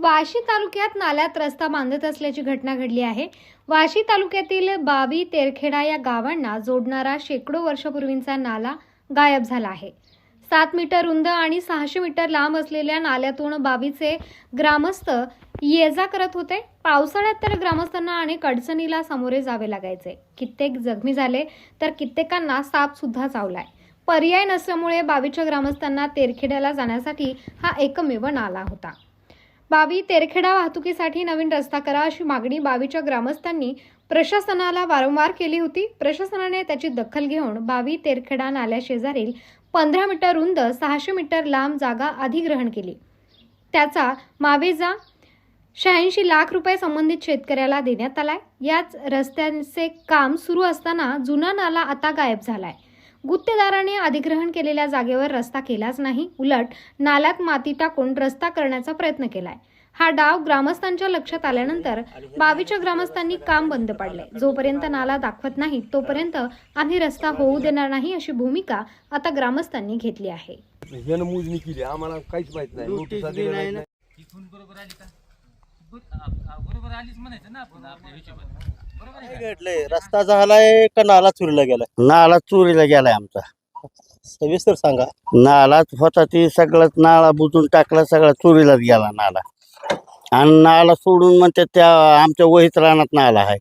वाशी तालुक्यात नाल्यात रस्ता बांधत असल्याची घटना घडली आहे। वाशी तालुक्यातील बावी तेरखेडा या गावांना जोडणारा शेकडो वर्षापूर्वीचा नाला गायब झाला आहे। 7 मीटर रुंद आणि 600 मीटर लांब असलेल्या नाल्यातून बावीचे ग्रामस्थ ये-जा करत होते। पावसाळ्यात तर ग्रामस्थांना अनेक अडचणीला सामोरे जावे लागायचे। कित्येक जखमी झाले तर कित्येकांना साप सुद्धा चावलाय। पर्याय नसल्यामुळे बावीच्या ग्रामस्थांना तेरखेड्याला जाण्यासाठी हा एकमेव नाला होता। बावी तेरखेडा वाहतुकीसाठी नवीन रस्ता करा अशी मागणी बावीच्या ग्रामस्थांनी प्रशासनाला वारंवार केली होती। प्रशासनाने त्याची दखल घेऊन बावी तेरखेडा नाल्याशेजारील 15 मीटर रुंद 600 मीटर लांब जागा अधिग्रहण केली। त्याचा मावेजा 86 लाख रुपये संबंधित शेतकऱ्याला देण्यात आलाय। याच रस्त्याचे काम सुरू असताना जुना नाला आता गायब झालाय। गुत्तेदाराने अधिग्रहण केलेल्या जागेवर रस्ता केलाच नाही, उलट नाल्यात माती टाकून रस्ता करण्याचा प्रयत्न केलाय। हा डाव ग्रामस्थांच्या लक्षात आल्यानंतर बावीच्या ग्रामस्थांनी काम बंद पाडले। जोपर्यंत नाला दाखवत नाही तोपर्यंत आम्ही रस्ता होऊ देणार नाही अशी भूमिका आता ग्रामस्थांनी घेतली आहे। मोजणी केली, आम्हाला काहीच माहित नाही, नोटीस दिली नाही। इथून बरोबर आली का? बरोबर आलीच म्हणायचं ना आपण आपल्या हिशोबाने। बरोबर आहे का? घडलंय, रस्ता झालाय का नाला चोरीला गेलाय? नाला चोरीला गेलाय आमचा। सविस्तर सांगा। नाला होता ती सगळं नाला बुजून टाकला, सगळा चोरीलाच गेला नाला। आणि नाला सोडून म्हणते त्या आमच्या वहीत रानात नाला आहे।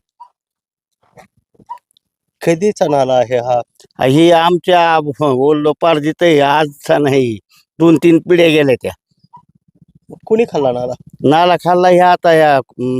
कधीचा नाला आहे हा? ही आमच्या बोललो पारजीत आजचा नाही, 2-3 पिढ्या गेल्या त्या। कुणी खाल्ला नाला? नाला खाल्ला ह्या आता ह्या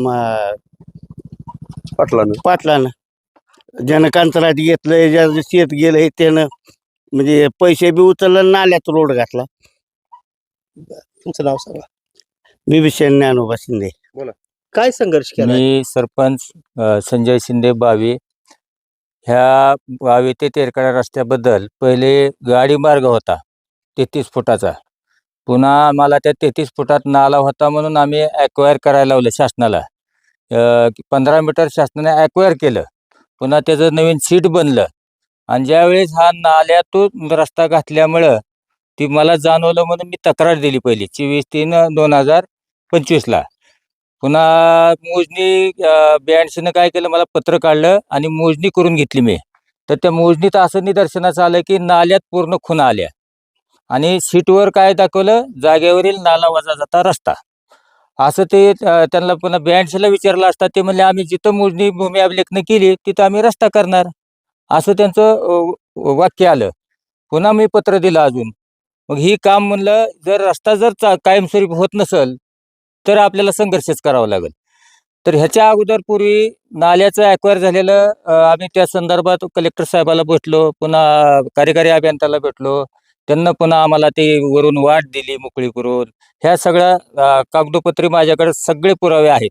पाटलानं ज्यानं कंत्राट घेतलंय, ज्याचं शेत गेलंय त्यानं म्हणजे पैसे बी उचललं, नाल्यात रोड घातला। तुमचं नाव सांगा। बिभीषण ज्ञानोबा शिंदे। काय संघर्ष केला? मी सरपंच संजय शिंदे बावी। ह्या बावी ते तेरखेडा रस्त्याबद्दल पहिले गाडी मार्ग होता 33 फुटाचा। पुन्हा आम्हाला त्या 33 फुटात नाला होता म्हणून आम्ही ॲक्वायर करायला लावलं शासनाला। 15 मीटर शासनाने ॲक्वायर केलं, पुन्हा त्याचं नवीन सीट बनलं। आणि ज्यावेळेस हा नाल्यातून रस्ता घातल्यामुळं ती मला जाणवलं म्हणून मी तक्रार दिली पहिली 24/3/2025ला। पुन्हा मोजणी 82नं काय केलं, मला पत्र काढलं आणि मोजणी करून घेतली मी। तर त्या मोजणीत असं निदर्शनास आलं की नाल्यात पूर्ण खुणा आल्या आणि सीटवर काय दाखवलं, जागेवरील नाला वजा जाता रस्ता असं ते त्यांना पुन्हा 82ला विचारलं असता ते म्हणले आम्ही जिथं मोजणी भूमी अभिलेखनं केली तिथं आम्ही रस्ता करणार, असं त्यांचं वाक्य आलं। पुन्हा मी पत्र दिलं अजून। मग ही काम म्हणलं जर रस्ता जर कायमस्वरूपी होत नसेल तर आपल्याला संघर्षच करावा लागेल। तर ह्याच्या अगोदर पूर्वी नाल्याचं ॲक्वायर झालेलं आम्ही त्या संदर्भात कलेक्टर साहेबाला भेटलो, पुन्हा कार्यकारी अभियंत्याला भेटलो। त्यांना पुन्हा आम्हाला ते वरून वाट दिली मोकळी करून। ह्या सगळ्या कागदोपत्री माझ्याकडे सगळे पुरावे आहेत।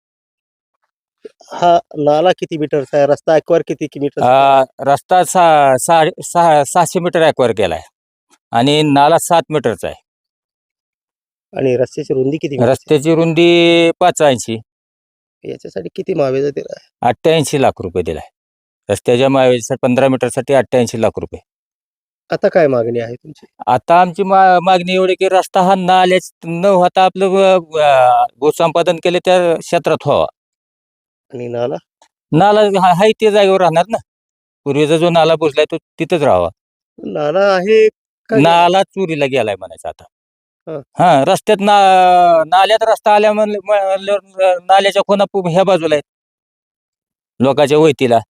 हा नाला किती मीटरचा आहे? रस्ता ॲक्वायर किती मीटर? रस्ता 600 मीटर ॲक्वायर केलाय आणि नाला 7 मीटरचा आहे। आणि रस्त्याची रुंदी किती मीटर? रस्त्याची रुंदी 85। याच्यासाठी किती मावेजा दिला? 88 लाख रुपये दिलाय रस्त्याच्या मावेसाठी। 15 मीटरसाठी 88 लाख रुपये। आता काय मागणी आहे तुमची? आता आमची मागणी एवढी की रस्ता हा नाल्याच न होता आपलं भूसंपादन केले त्या क्षेत्रात व्हावा। आणि नाला? नाला हाय त्या जागेवर राहणार ना, पूर्वीचा जो नाला बुजलाय तो तिथंच राहावा। नाला आहे का? नाला चोरीला गेलाय म्हणायचं आता। हं. हा रस्त्यात नाल्यात रस्ता आल्या नाल्याच्या खुणा ह्या बाजूला आहेत लोकांच्या वैतीला।